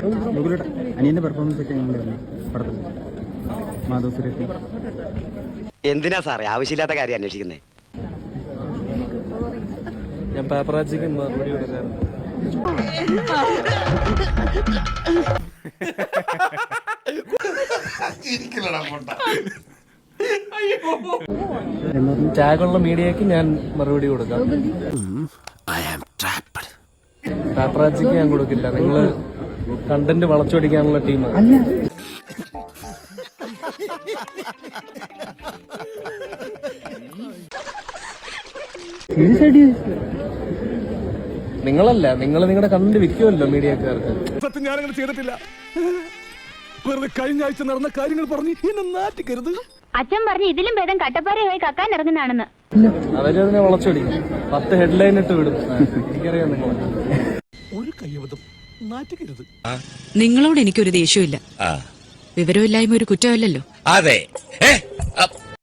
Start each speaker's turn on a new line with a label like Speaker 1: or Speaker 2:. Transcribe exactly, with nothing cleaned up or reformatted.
Speaker 1: അനിയന്റെ പെർഫോമൻസ് ഒക്കെ എങ്ങനെയായിരുന്നു പടത്തിൽ? മാധവ് സുരേഷ്
Speaker 2: എന്തിനാ സാറേ ആവശ്യമില്ലാത്ത കാര്യം അന്വേഷിക്കുന്നേ?
Speaker 3: ഞാൻ പാപ്പറാച്ചിക്ക് മറുപടി കൊടുക്കാറ്. ടാഗുള്ള മീഡിയക്ക് ഞാൻ മറുപടി കൊടുക്കാം. പാപ്പറാച്ചിക്ക് ഞാൻ കൊടുക്കില്ല. നിങ്ങള് കണ്ടന്റ് വളച്ചൊടിക്കാനുള്ള ടീമാണ്. നിങ്ങളല്ല, നിങ്ങൾ നിങ്ങളുടെ കണ്ടന്റ് വിൽക്കുമല്ലോ മീഡിയക്കാർക്ക്.
Speaker 4: സത്യം ഞാനങ്ങനെ ചെയ്തിട്ടില്ല. വെറുതെ കഴിഞ്ഞ ആഴ്ച നടന്ന കാര്യങ്ങൾ പറഞ്ഞ് എന്നെ നാട്ടിക്കരുത്.
Speaker 5: അച്ഛൻ പറഞ്ഞു ഇതിലും ഭേദം കട്ടപ്പാറയായി കക്കാൻ ഇറങ്ങുന്നതാണെന്ന്.
Speaker 3: അവരതിനെ വളച്ചൊടിക്കും. പത്ത് ഹെഡ്ലൈൻ ഇട്ട് വിടും. എനിക്കറിയാം നിങ്ങൾ
Speaker 4: ഒരു കയ്യബദ്ധം നാട്ടിക്കരുത്.
Speaker 6: നിങ്ങളോട് എനിക്കൊരു ദേഷ്യമില്ല. വിവരമില്ലായ്മ ഒരു കുറ്റമല്ലല്ലോ.
Speaker 7: അതെ.